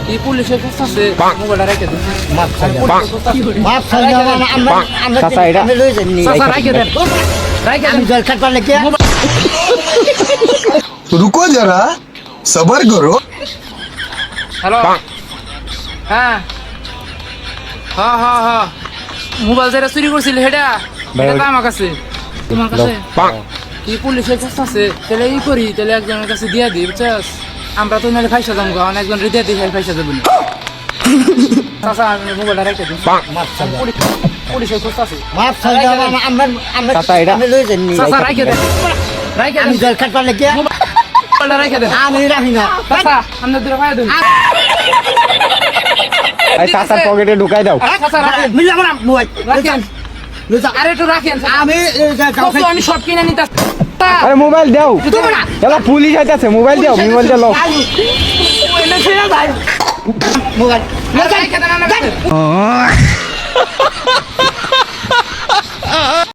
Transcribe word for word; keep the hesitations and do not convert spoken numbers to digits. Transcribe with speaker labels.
Speaker 1: এই পুলিশের কাছে আছে মোবাইলটা রেখে দেন
Speaker 2: মাপ চাইয়া
Speaker 1: মাপ
Speaker 2: চাইয়া আমরা আমরা
Speaker 3: চাচা, এটা-
Speaker 2: আমি লই যাইনি
Speaker 1: চাচা রাখে দেন রাখে
Speaker 2: আমি
Speaker 1: দেন
Speaker 2: জল খাটবার লাগি
Speaker 4: रुको जरा सबर करो
Speaker 1: হ্যালো হ্যাঁ হ্যাঁ হ্যাঁ হ্যাঁ মোবাইল যেটা চুরি করছিল সেটা এটা তো আমার কাছে তোমার কাছে এই পুলিশের কাছে আছে তাহলে ই করি তাহলে একজনের কাছে দিয়া দিই বুঝছস আমরা তো নাহলে ফাইসা যাবো কারণ একজন রিদিয়া দিয়ে ফাইসা যাবো না চাচা আমি মোবাইলটা রেখে দিন
Speaker 2: মাপ চাইয়া
Speaker 1: পুলিশের কাছে আছে
Speaker 2: মাপ চাইয়া আমরা আমরা
Speaker 3: চাচা, এটা-
Speaker 2: আমি লই যাইনি
Speaker 1: চাচা রাখে দেন রাখে
Speaker 2: আমি
Speaker 1: দেন
Speaker 2: জল খাটবার লাগি
Speaker 1: মোবাইলটা রেখে দেন
Speaker 2: আমি রাখি না
Speaker 1: চাচা আমরা দূরে ফাইয়া দেন
Speaker 3: এই চাচার পকেটে ঢুকাই দাও
Speaker 1: চাচা রাখেন
Speaker 2: মিলে আমরা মোবাইল
Speaker 1: রাখেন আরে একটু রাখেন
Speaker 2: আমি
Speaker 1: কত আমি সব কিনে নিতে
Speaker 3: আরে মোবাইল দাও এলা পুলিশ আইতাছে মোবাইল দাও মোবাইল দাও
Speaker 2: মোবাইল
Speaker 1: রেখে দেন